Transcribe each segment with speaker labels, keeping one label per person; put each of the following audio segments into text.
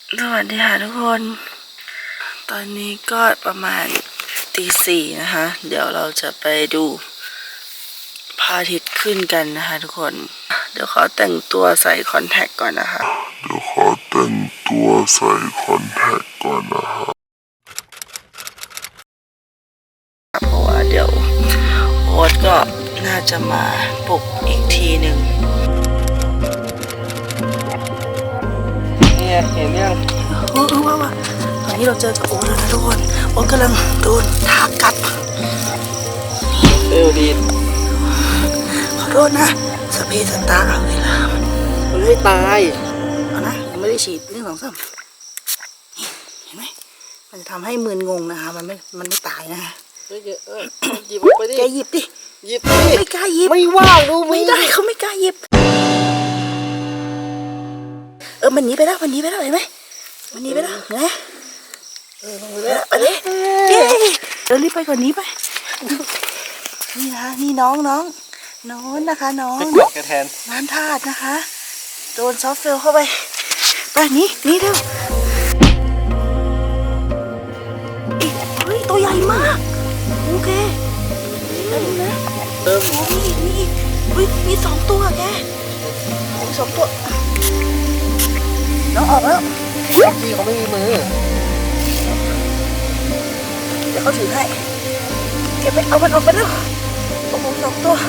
Speaker 1: สวัสดีค่ะทุกคน ตอนนี้ก็ประมาณตี 4นะคะ เดี๋ยวเราจะไปดูพระอาทิตย์ขึ้นกันนะคะทุกคน เดี๋ยวขอแต่งตัวใส่คอนแทคก่อนนะคะเพราะว่าเดี๋ยวโอ๊ตก็น่าจะมาปลุกอีกทีหนึ่ง
Speaker 2: เนี่ยเห็นยัง
Speaker 1: ว่าตอนนี้เราเจอกับโอ๊ตแล้วนะทุกคน โอ๊ตกำลังโดนทากัด
Speaker 2: เร็วดี
Speaker 1: ขอโทษนะสเปรย์สตาร์เอาเวลา
Speaker 2: มันไม่ตาย
Speaker 1: เอานะยังไม่ได้ฉีด1 2 3เห็นไหมมันจะทำให้มึนงงนะคะมันไม่ตายนะคะ
Speaker 2: หยิบออกไปดิ
Speaker 1: แกหยิบดิ
Speaker 2: หยิบดิ
Speaker 1: ไม่กล้าหยิบ
Speaker 2: ไม่ว่างดู
Speaker 1: ไม่ได้เขาไม่กล้าหยิบมันหนีไปแล้วเห็นไหมมันหนีไปแล้วไงไปเลยเดินรีบไปก่อนนี้ไปนี่นะคะนี่น้องนะคะน้อง
Speaker 2: กดกระแทน
Speaker 1: น้ำธาตุนะคะโดนซอฟต์เฟลเข้าไปไปนี่เร็วเฮ้ยตัวใหญ่มากโอเคนะมี2 ตัวแกมี2 ตัวน้องออกแล้ว
Speaker 2: พี่เขาไม่มีมือ
Speaker 1: เดี๋ยวเขาถือให้เก็บไปเอามันออกไปแล้วโอ้โห2 ตัว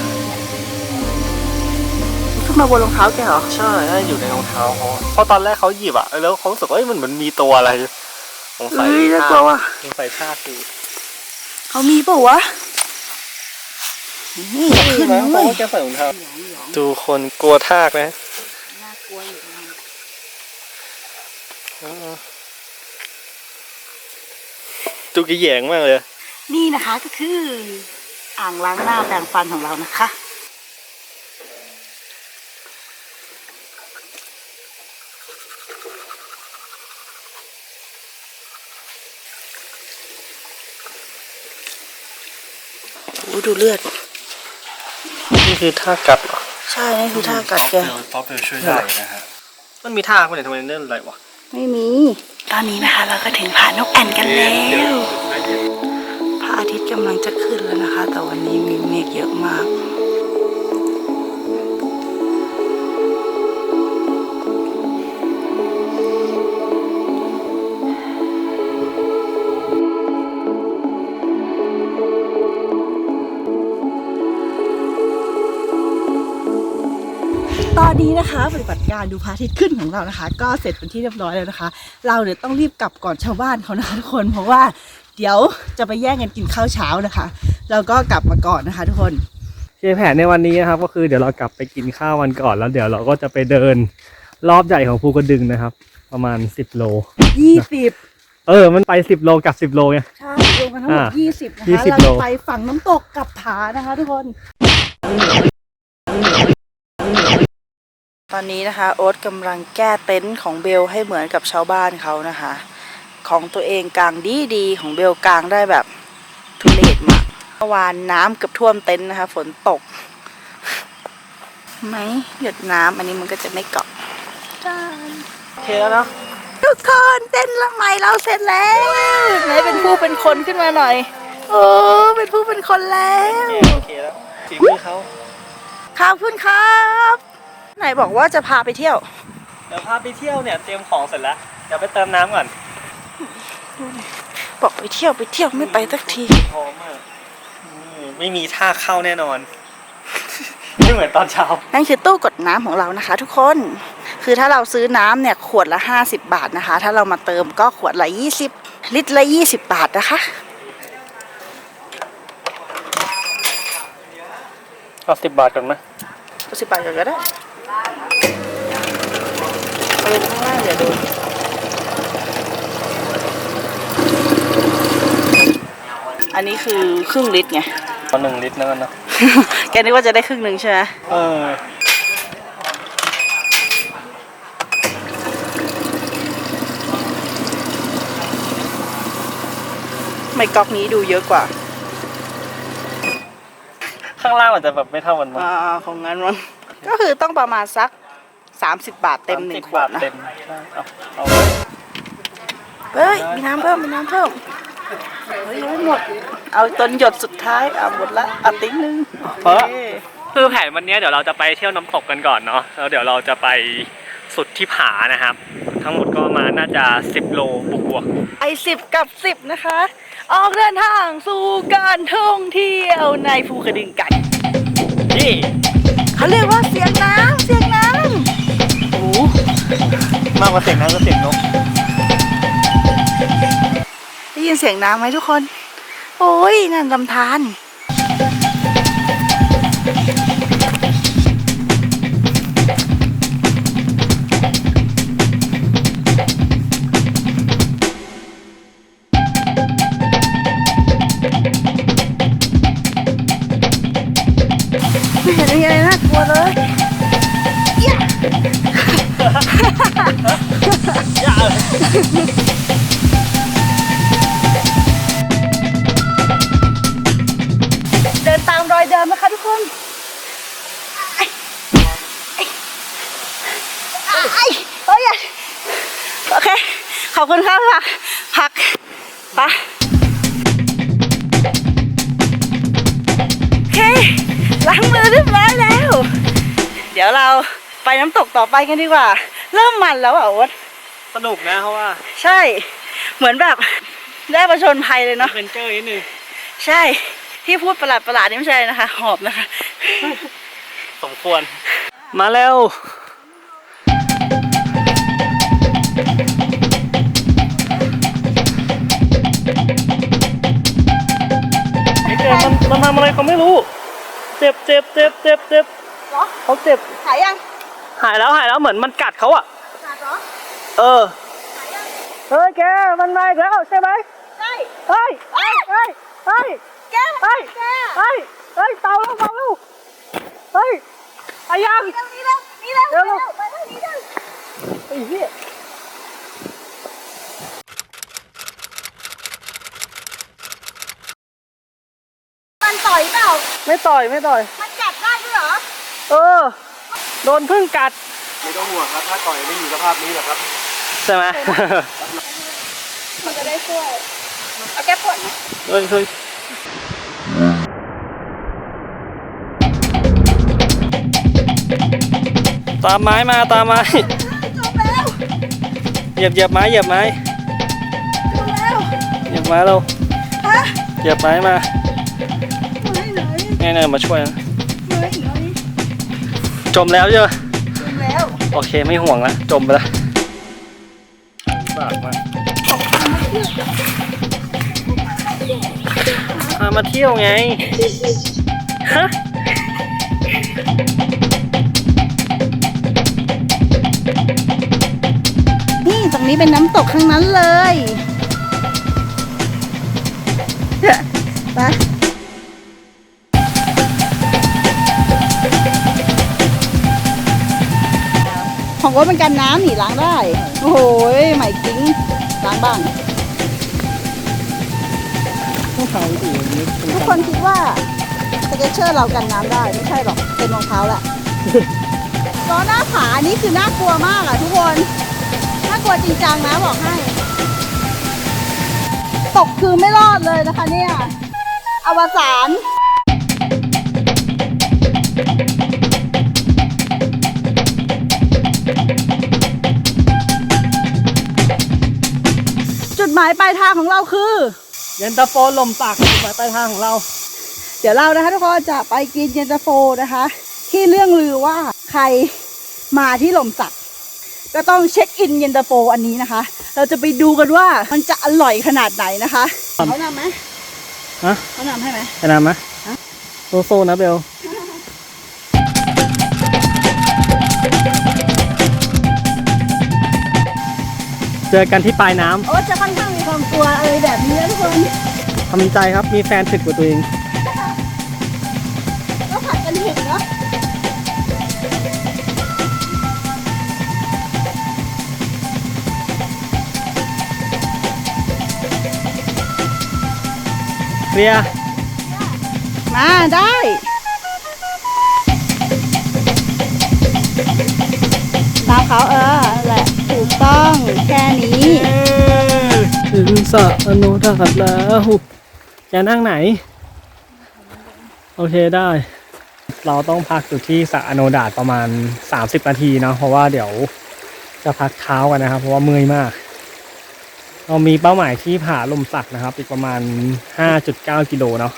Speaker 1: ขึ้นมาบนรองเท้าแกเหรอ
Speaker 2: ใช่อยู่ในรองเท้าเขาเพราะตอนแรกเขาหยิบอะแล้วเขารู้สึกว่ามันเหมือนมีตัวอะไรสงสัย
Speaker 1: ท่า
Speaker 2: คือ
Speaker 1: เขามีเปล่าวะนี่ขึ้นมา
Speaker 2: เพราะว่าแกใส่รองเท้าดูคนกลัวทากนะ
Speaker 1: น่ากลัวอยู่
Speaker 2: ดูกระแยงมากเลย
Speaker 1: นี่นะคะก็คืออ่างล้างหน้าแปรงฟันของเรานะคะดูเลือด
Speaker 2: นี่คือท่ากัดเหรอ
Speaker 1: ใช่นี่คือท่ากัดแก
Speaker 2: ป๊อปช่วยได้นะฮะมันมีท่าคนไหนทำไมเล่นอะไรวะ
Speaker 1: ไม่มีตอนนี้นะคะเราก็ถึงผานกแอ่นกันแล้วพระอาทิตย์กำลังจะขึ้นแล้วนะคะแต่วันนี้มีเมฆเยอะมากตอนนี้นะคะปฏิบัติการดูพระอาทิตย์ขึ้นของเรานะคะก็เสร็จเป็นที่เรียบร้อยแล้วนะคะเราเนี่ยต้องรีบกลับก่อนชาวบ้านเขานะคะทุกคนเพราะว่าเดี๋ยวจะไปแย่งกันกินข้าวเช้านะคะเราก็กลับมาก่อนนะคะทุกคน
Speaker 2: แผนในวันนี้นะครับก็คือเดี๋ยวเรากลับไปกินข้าววันก่อนแล้วเดี๋ยวเราก็จะไปเดินรอบใหญ่ของภูกระดึงนะครับประมาณ10 โล20มันไป10 โลกับ10 โลไง
Speaker 1: ใช่รวมกันทั้งหมด20นะคะเราไปฝั่งน้ำตกกับผานะคะทุกคนตอนนี้นะคะโอ๊ตกำลังแก้เต็นท์ของเบลให้เหมือนกับชาวบ้านเขานะคะของตัวเองกางดีของเบลกางได้แบบทุเรศมากเมื่อวานน้ำเกือบท่วมเต็นท์นะคะฝนตกไหมหยดน้ำอันนี้มันก็จะไม่เกาะ
Speaker 2: โอเคแล้วเนาะ
Speaker 1: ทุกคนเต้นละใหม่เราเสร็จแล้วไหนเป็นผู้เป็นคนขึ้นมาหน่อยโอ้เป็นผู้เป็นคนแล้ว
Speaker 2: โอเคแล้วฝีมือเขา
Speaker 1: ขอบคุณครับไหนบอกว่าจะพาไปเที่ยว
Speaker 2: เดี๋ยวพาไปเที่ยวเนี่ยเตรียมของเสร็จแล้วเดี๋ยวไปเติมน้ำก่อน
Speaker 1: บอกไปเที่ยวไม่ไปสักที
Speaker 2: พร้อมมากไม่มีท่าเข้าแน่นอนไม่เหมือนตอนเช้า
Speaker 1: นั่นคือตู้กดน้ำของเรานะคะทุกคนคือถ้าเราซื้อน้ำเนี่ยขวดละ50 บาทนะคะถ้าเรามาเติมก็ขวดละ20 ลิตรละ20 บาทนะคะ
Speaker 2: เอา10 บาทก่อนไหม
Speaker 1: 10 บาทก่อนก็ได้ไปข้างล่างเดี๋ยวดูอันนี้คือครึ่งลิตรไง
Speaker 2: ตอน1 ลิตรนั่นนะ
Speaker 1: แกนึกว่าจะได้ครึ่งหนึ่งใช่ไหมไม่ก๊อกนี้ดูเยอะกว่า
Speaker 2: ข้างล่างอาจจะแบบไม่เท่ากันมั้ง
Speaker 1: ของงั้นมั้งก็คือต้องประมาณสัก30 บาทเต็ม1 ขวดนะ
Speaker 2: เอาไว้
Speaker 1: เฮ้ยมีน้ำเพิ่มเฮ้ยยังไม่หมดเอาตอนหยดสุดท้ายเอาหมดละเอาติ๊งนึง
Speaker 2: เพราะคือแผนวันนี้เดี๋ยวเราจะไปเที่ยวน้ำตกกันก่อนเนาะแล้วเดี๋ยวเราจะไปสุดที่ผานะครับ ทั้งหมดก็มาน่าจะ10 โลบวก
Speaker 1: ไอ10 กับ 10นะคะ ออกเดินทางสู่การท่องเที่ยวในภูกระดึงกัน
Speaker 2: ๆนี่
Speaker 1: เขาเรียกว่าเสียงน้ำ
Speaker 2: โอ้มากกว่าเสียงน้ำก็เสียงนก
Speaker 1: ได้ยินเสียงน้ำไหมทุกคน โอ้ยนั่นลำธารไม่เห็นมีอะไรน่ากลัวเลยเดินตามรอยเดิมนะคะทุกคนโอเค ขอบคุณครับพักไปโอเคล้างมือเรียบร้อยแล้ว เดี๋ยวเราไปน้ำตกต่อไปกันดีกว่า เริ่มมันแล้วอ่ะโอ๊ต
Speaker 2: สนุกนะเพราะว่า
Speaker 1: ใช่ เหมือนแบบได้ประชนภัยเลยเนาะ
Speaker 2: เป็นเจอร์นิดนึง
Speaker 1: ใช่ ที่พูดประหลาดนี่ไม่ใช่นะคะ หอบนะคะ
Speaker 2: สมควร มาเร็วไอ้เจมันทำอะไรเขาไม่รู้ เจ็บ
Speaker 1: เหรอ
Speaker 2: เขาเจ็บ
Speaker 1: หายยัง
Speaker 2: หายแล้วเหมือนมันกัดเขาอ่ะ
Speaker 1: ขาดเหรอ
Speaker 2: เออ
Speaker 1: หายยัง
Speaker 2: เฮ้ยแกมันมาอีกแล้วใช่ไหม
Speaker 1: ใช่
Speaker 2: เฮ้ย
Speaker 1: แก้วแก้ว
Speaker 2: เฮ้ยเต่าแล้วเฮ้ยไปยัง
Speaker 1: นี่แล้วไปทางนี้แล้ว
Speaker 2: ไอ้เหี้ย
Speaker 1: มันต่อยเปล่า
Speaker 2: ไม่ต่อย
Speaker 1: มันกัดได้ด้วยเหรอ
Speaker 2: เออ โดนพึ่งกัด
Speaker 3: ไม่ต้องห่วงครับถ้าต่อยไม่อยู่สภาพนี้หรอกครับ
Speaker 2: ใช่ไหม
Speaker 1: มันจะได้ช่วย เอาแก้ปวดไหม
Speaker 2: เฮ้ยตามไม้มา
Speaker 1: จมแล้ว
Speaker 2: เหยียบไม้
Speaker 1: จมแล้ว
Speaker 2: เหยียบไม้เรา
Speaker 1: ฮะ
Speaker 2: เหยียบไม้มา
Speaker 1: ไหน
Speaker 2: เนี่ยมาช่วยนะ
Speaker 1: ไหน
Speaker 2: จมแล้วเจ้ะ
Speaker 1: จมแล้ว
Speaker 2: โอเคไม่ห่วงละจมไปละฝากมาพามาเที่ยวไงฮะ
Speaker 1: นี่ตรงนี้เป็นน้ำตกข้างนั้นเลย ไปของรถเป็นกันน้ำหนีล้างได้ โอ้โหใหม่กิ้งล้างบ้าง
Speaker 2: ผู้เขาอยู่อย่างนี้
Speaker 1: ทุกคนคิดว่าสเก็ตเชอร์เรากันน้ำได้ไม่ใช่หรอกเป็นรองเท้าแหละล้อหน้าผานี่คือน่ากลัวมากอ่ะทุกคนน่ากลัวจริงจังนะบอกให้ ตกคือไม่รอดเลยนะคะเนี่ยอวสานจุดหมายปลายทางของเราคือ
Speaker 2: เย็นตาโฟลมสักหมายปลายทางของเรา
Speaker 1: เดี๋ยวเรานะคะทุกคนจะไปกินเย็นตาโฟนะคะ ที่เรื่องลือว่าใครมาที่หล่มสักก็ต้องเช็คอินเย็นตาโฟอันนี้นะคะ เราจะไปดูกันว่ามันจะอร่อยขนาดไหนนะคะเขานำไหม
Speaker 2: ฮะ
Speaker 1: เขานำให้ไหม
Speaker 2: ไปนำไหมโซนะเบลเจอกันที่ปลายน้
Speaker 1: โอ้จะค่อนข้างมีความกลัวอะไรแบบนี้นะทุกคน
Speaker 2: ำทำใจครับมีแฟนถึกกว่าตัวเอง
Speaker 1: ก็ผัดกันเห็นเนาะ
Speaker 2: เคลียร์
Speaker 1: มาได้ตามเขาแหละถูกต้องแค่นี้
Speaker 2: สระอโนดาตแล้วจะนั่งไหนโอเคได้ เราต้องพักอยู่ที่สระอโนดาตประมาณ30นาทีเนาะเพราะว่าเดี๋ยวจะพักเท้ากันนะครับเพราะว่าเมื่อยมากเรามีเป้าหมายที่ผาลมสักนะครับอีกประมาณ 5.9 กิโลเนาะ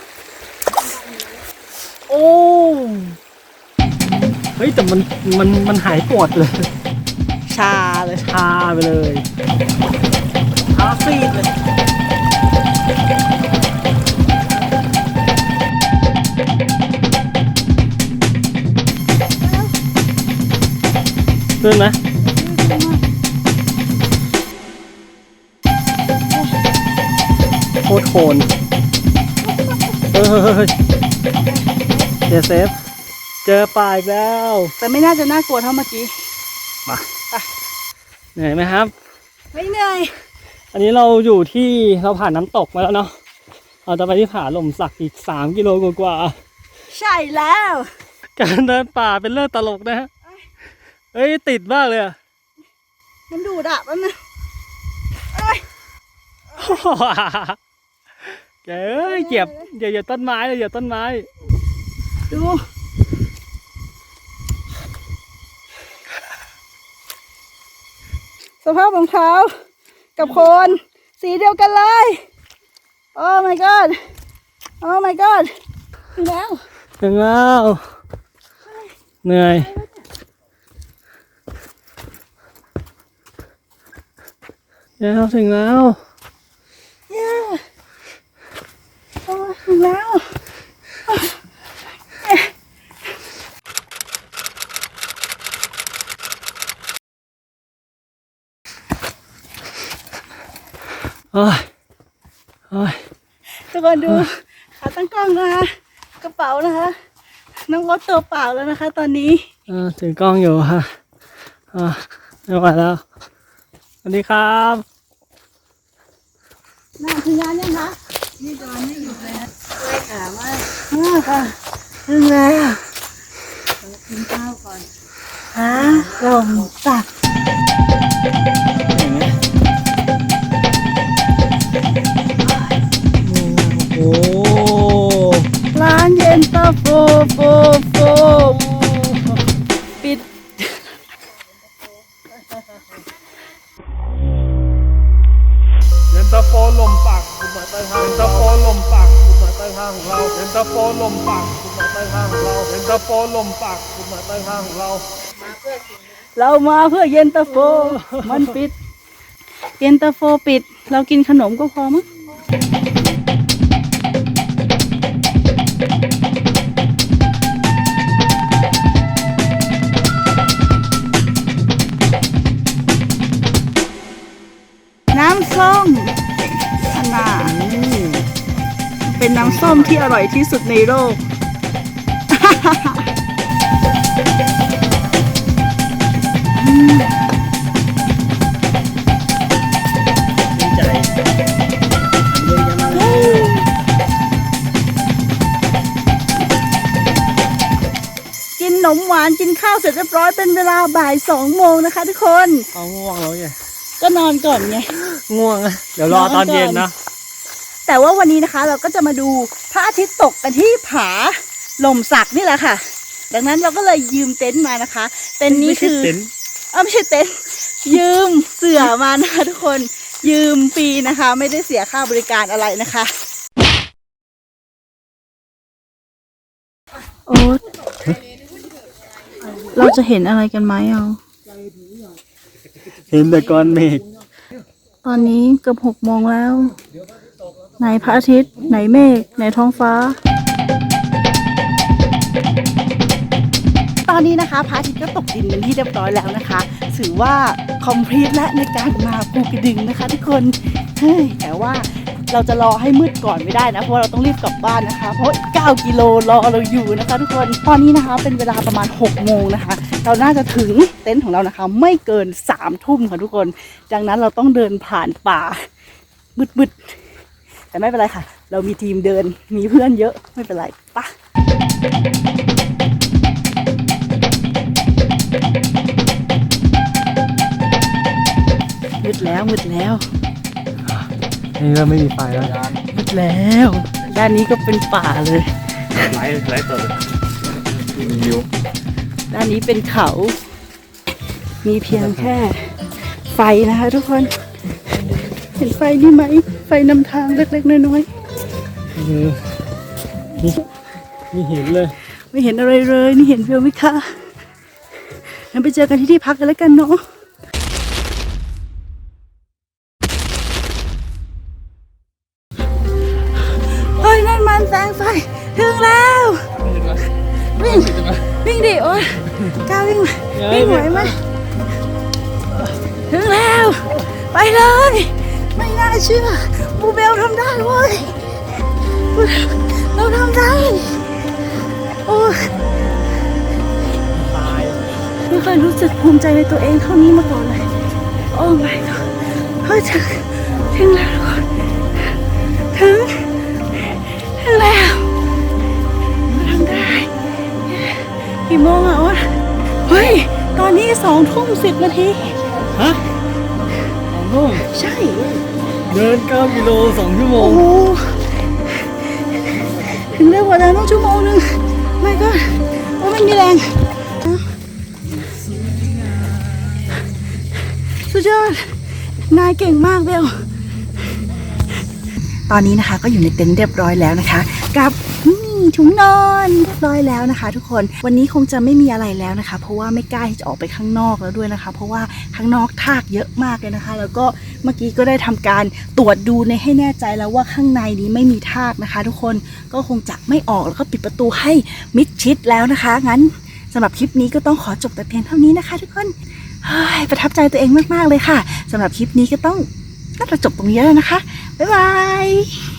Speaker 2: โอ้เฮ้ยแต่มันหายปวดเลย
Speaker 1: ชาเลย
Speaker 2: ชาไปเลยชาซีดเลยขึ้นไหมโคตรโคนเฮ้ยเดี๋ยวเซฟเจอป่าอีกแล้ว
Speaker 1: แต่ไม่น่าจะน่ากลัวเท่าเมื่อกี้
Speaker 2: มาเหนื่อยไหมครับ
Speaker 1: ไม่เหนื่อย
Speaker 2: อันนี้เราอยู่ที่เราผ่านน้ำตกมาแล้วเนาะเราจะไปที่ผาลมสักอีก3 กิโลกว่า
Speaker 1: ใช่แล้ว
Speaker 2: การเดินป่าเป็นเรื่องตลกนะฮะเฮ้ยติดมากเลยอะ
Speaker 1: มันดูดอ่ะมันนะ
Speaker 2: แกเอ้ยเหยียบต้นไม้เลยเหยียบต้นไม้
Speaker 1: ดู สภาพรองเท้ากับโคนสีเดียวกันเลย โอ้ my god โอ้ my god ถึงแล้ว
Speaker 2: ถึงแล้วเหนื่อยแล้วถึงแล้ว
Speaker 1: เย้โอ้ยถึงแล้ว
Speaker 2: โอ้ยโอ้ย
Speaker 1: ทุกคนดูขาตั้งกล้องนะคะกระเป๋านะคะน้องรถตัวเปล่าแล้วนะคะ ตอนนี้
Speaker 2: ถือกล้องอยู่ค่ะไม่ไหวแล้วสวัสดีครับ
Speaker 1: น่าถึงงานยังคะนี่ตอนไม่หยุดเลยนะช่วยขามากค่ะถึงแล้วกินข้าวก่อนหาลมสัก
Speaker 2: โอ้
Speaker 1: ร้านเย็นตาโฟปิด
Speaker 3: เย็นตาโฟลมปักคุณหมายใต้ทางเย็นตาโฟลมปักคุณหมายใต้ทางของเราเย็นตาโฟลมปักคุณหมายใต้ทางของเราเย็นตาโฟลมปักคุณหมายใต้ทางของเรา
Speaker 1: เรามาเพื่อเย็นตาโฟมันปิด เย็นตาโฟปิด เรากินขนมก็พอมั้งน้ำส้มอันน่ะเป็นน้ำส้มที่อร่อยที่สุดในโลก
Speaker 2: ดีใจ
Speaker 1: กินขนมหวานกินข้าวเสร็จเรียบร้อยเป็นเวลาบ่าย2 โมงนะคะทุกคน
Speaker 2: เอาง่วงแล้วไง
Speaker 1: ก็นอนก่อนไง
Speaker 2: ง่วงอะเดี๋ยวรอตอนเย็นนะ
Speaker 1: แต่ว่าวันนี้นะคะเราก็จะมาดูพระอาทิตย์ตกกันที่ผาลมสักนี่แหละค่ะ ดังนั้นเราก็เลยยืมเต็นท์มานะคะ เต็นท์นี้คือ ไม่ใช่เต็นท์ยืมเสื่อมานะคะทุกคนยืมฟรีนะคะ ไม่ได้เสียค่าบริการอะไรนะคะโอ๊ตเราจะเห็นอะไรกันไหมเอา
Speaker 2: เห็นแต่ก้อนเมฆ
Speaker 1: ตอนนี้เกือบ6 โมงแล้ว ไหนพระอาทิตย์ไหนเมฆไหนท้องฟ้า ตอนนี้นะคะพระอาทิตย์ก็ตกดินเป็นที่เรียบร้อยแล้วนะคะถือว่าคอมพลีทและในการมาภูกระดึงนะคะทุกคนเฮ้ยแต่ว่าเราจะรอให้มืดก่อนไม่ได้นะเพราะว่าเราต้องรีบกลับบ้านนะคะเพราะ9 กิโลรอเราอยู่นะคะทุกคนตอนนี้นะคะเป็นเวลาประมาณ6 โมงนะคะเราน่าจะถึงเต็นท์ของเรานะคะไม่เกิน3 ทุ่มค่ะทุกคนดังนั้นเราต้องเดินผ่านป่ามืดๆแต่ไม่เป็นไรค่ะเรามีทีมเดินมีเพื่อนเยอะไม่เป็นไรปะมืดแล้ว
Speaker 2: นี่เริ่มไม่มีไฟแล้ว
Speaker 1: มืดแล้ว ด้านนี้ก็เป็นป่าเลย
Speaker 2: ไลท์เปิดวิว
Speaker 1: ด้านนี้เป็นเขา มีเพียงแค่ไฟนะคะทุกคน เห็นไฟนี่ไหม ไฟนำทางเล็กๆน้อย
Speaker 2: นี่เห็นเลย
Speaker 1: ๆ ไม่เห็นอะไรเลย นี่เห็นวิวไหมคะงั้นไปเจอกันที่พักกันแล้วกันเนาะ เฮ้ยนั่นมันแสงไฟ ถึงแล้ว วิ่ง วิ่งดิโอ๊ยกล้าวิ่งไหมวิ่งไหวไหมถึงแล้ว ไปเลย ไม่น่าเชื่อบูเบลทำได้เว้ย เราทำได้ โอ้ยไม่เคยรู้สึกภูมิใจในตัวเองเท่านี้มาก่อนเลย โอ้ my god เฮ้ยถึงแล้วถึงแล้วเราทำได้กี่โมงอ่ะโอ๊ยเฮ้ย ตอนนี้20:10
Speaker 2: ฮะ2 ทุ่ม
Speaker 1: ใช่
Speaker 2: เดิน9 กิโล 2 ชั่วโม
Speaker 1: โอ้
Speaker 2: ง
Speaker 1: โห ถึงเร็วกว่าเดิมต้องชั่วโมงนึงไม่ก็ว่าไม่มีแรง สุดยอด นายเก่งมากเบล ตอนนี้นะคะก็อยู่ในเต็นท์เรียบร้อยแล้วนะคะ กับถุงนอนเรียบร้อยแล้วนะคะ ทุกคน วันนี้คงจะไม่มีอะไรแล้วนะคะ เพราะว่าไม่กล้าที่จะออกไปข้างนอกแล้วด้วยนะคะ เพราะว่าข้างนอกทากเยอะมากเลยนะคะ แล้วก็เมื่อกี้ก็ได้ทำการตรวจดูในให้แน่ใจแล้วว่าข้างในนี้ไม่มีทากนะคะ ทุกคน ก็คงจะไม่ออกแล้วก็ปิดประตูให้มิดชิดแล้วนะคะ งั้นสำหรับคลิปนี้ก็ต้องขอจบแต่เพียงเท่านี้นะคะ ทุกคนเฮ้ยประทับใจตัวเองมากๆเลยค่ะสำหรับคลิปนี้ก็ต้องน่าจะจบตรงนี้แล้วนะคะบ๊ายบาย